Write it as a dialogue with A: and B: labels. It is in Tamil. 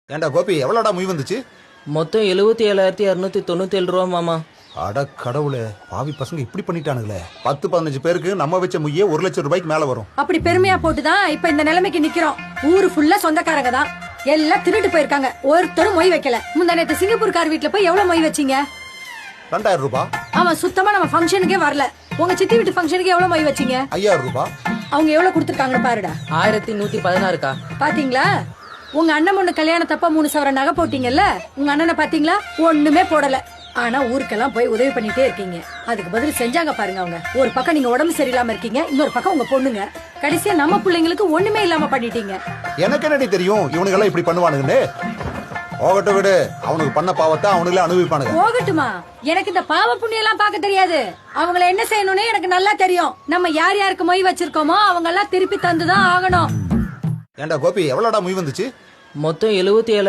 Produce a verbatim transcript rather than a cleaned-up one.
A: ஏண்டா கோபி எவ்வளோடா முய் வந்துச்சு?
B: மொத்தம் எழுபத்தி ஏழாயிரத்தி இரநூத்தி தொண்ணூத்தி ஏழு ரூபா மாமா.
A: அட கடவுளே, பாவி பசங்க இப்படி பண்ணிட்டானுங்களே. பத்து பதினஞ்சு பேருக்கு நம்ம வச்ச முய்யே ஒரு லட்சம் ரூபாய்க்கு மேல வரும்.
C: அப்படி பெருமையா போட்டுதான் இப்ப இந்த நிலைமைக்கு நிக்கிறோம். ஊரு ஃபுல்லா சொந்தக்காரங்க தான், எல்லாம் திருட்டு போயிருக்காங்க. ஒருத்தரும் மொய் வைக்கல. முந்தா நேத்து சிங்கப்பூர்கார் வீட்டுல போய் எவ்வளவு மொய் வச்சீங்க?
A: ரெண்டாயிரம் ரூபாய்.
C: அவன் சுத்தமா நம்ம ஃபங்க்ஷனுக்கே வரல. உங்க சித்தி வீட்டு ஃபங்க்ஷனுக்கு எவ்வளவு மொய் வச்சீங்க?
A: ஐயாயிரம் ரூபாய்.
C: அவங்க எவ்வளவு கொடுத்துருக்காங்கன்னு பாருடா.
B: ஆயிரத்தி நூத்தி பதினாறுக்கா?
C: பாத்தீங்களா? உங்க அண்ணன் பொண்ணு கல்யாணத்தப்ப மூணு சவர நகை போட்டீங்கல்ல, உங்க அண்ணனை பாத்தீங்களா? ஒண்ணுமே போடல. ஆனா ஊருக்கெல்லாம் போய் உதவி பண்ணிட்டே இருக்கீங்க. அதுக்கு பதில் செஞ்சாங்க பாருங்க அவங்க. ஒரு பக்கம் நீங்க உடம்பு சரியில்லாம இருக்கீங்க, இன்னொரு பக்கம் உங்க பொண்ணுங்க. கடைசியா நம்ம பிள்ளைங்களுக்கு ஒண்ணுமே இல்லாம பண்ணிட்டீங்க.
A: எனக்கு என்னடி தெரியும் இவனுங்கெல்லாம் இப்படி பண்ணுவானுங்கன்னு? போகட்டும் விடு, அவனுக்கு பண்ண பாவத்தை அவனுங்களே அனுபவிப்பானுங்க.
C: போகட்டுமா? எனக்கு இந்த பாவ புண்ணியம் எல்லாம் பார்க்க தெரியாது. அவங்கள என்ன செய்யணும்னு எனக்கு நல்லா தெரியும். நம்ம யார் யாருக்கு மொய் வச்சிருக்கோமோ அவங்க எல்லாம் திருப்பி தந்துதான் ஆகணும்.
A: ஏண்டா கோபி எவ்வளோடா முய் வந்துச்சு?
B: மொத்தம் எழுபத்தி ஏழு